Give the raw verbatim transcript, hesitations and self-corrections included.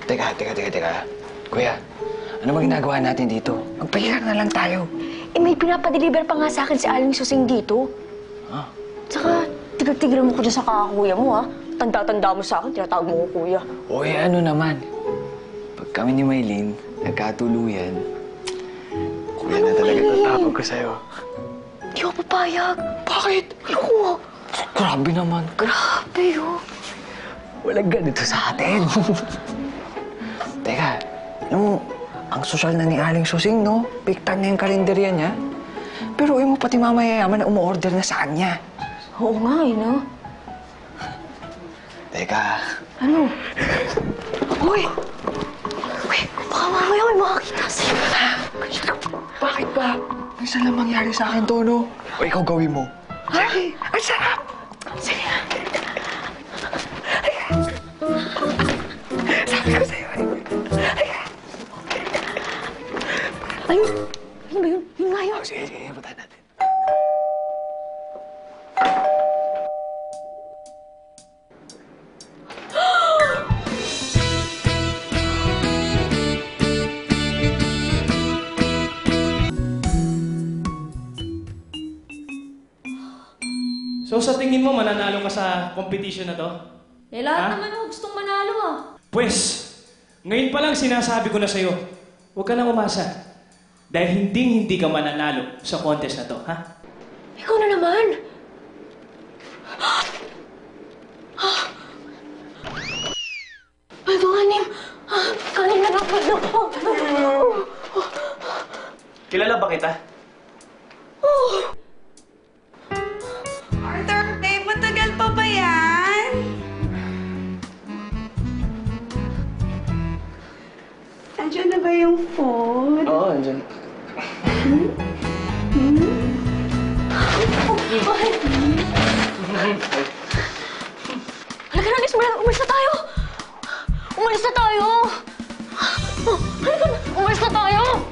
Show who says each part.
Speaker 1: Teka, teka, teka, teka. Kuya, ano ba ginagawa natin dito? Magpahiram na lang tayo.
Speaker 2: Eh, may pinapadeliver pa nga sa akin si Aling Susing dito.
Speaker 1: Ha?
Speaker 2: Tsaka, tigil-tigil mo ko dyan sa kakakuya mo, ha? Tanda-tanda mo sa akin, tinatawag mo ko kuya.
Speaker 1: O, eh, ano naman? Pag kami ni Maylin, nagkatuluyan, kuya na talaga tatawag ko sa'yo.
Speaker 2: Di ako papayag.
Speaker 1: Bakit?
Speaker 2: Ayoko.
Speaker 1: Grabe naman.
Speaker 2: Grabe, oh.
Speaker 1: Walang ganito sa atin. Teka, alam mo, ang sosyal na ni Aling Susing, no? Big time na yung kalendarya niya. Pero mo pati mamayayaman na umu-order na sa kanya.
Speaker 2: Oo nga, eh, no?
Speaker 1: Teka.
Speaker 2: Ano? Uy! Uy, baka mamaya may makakita sa'yo.
Speaker 1: Bakit ba? Minsan lang mangyari sa akin to, no? O ikaw gawin mo. Ay, ang sarap!
Speaker 2: Sige.
Speaker 1: Sabi ko sa'yo, ay.
Speaker 2: Ay, yun ba yun? Yun nga yun.
Speaker 1: Oh, sige, sige, puntahan natin.
Speaker 3: So sa tingin mo, mananalo ka sa competition na to?
Speaker 4: Eh, lahat
Speaker 3: Ha?
Speaker 4: naman ako gustong manalo ah.
Speaker 3: Pwes, ngayon pa lang sinasabi ko na sa'yo, huwag ka nang umasa. Dahil hinding-hindi ka mananalo sa contest na to, ha?
Speaker 2: Ikaw na naman. Ay, banganim. Kanin na lang ako.
Speaker 3: Kilala ba kita?
Speaker 5: Arthur, babe, matagal pa ba yan? Andiyan na ba yung food?
Speaker 1: Oo, andyan.
Speaker 2: Halika na, Liz. Umalis na tayo. Umalis na tayo. Halika na. Umalis na tayo.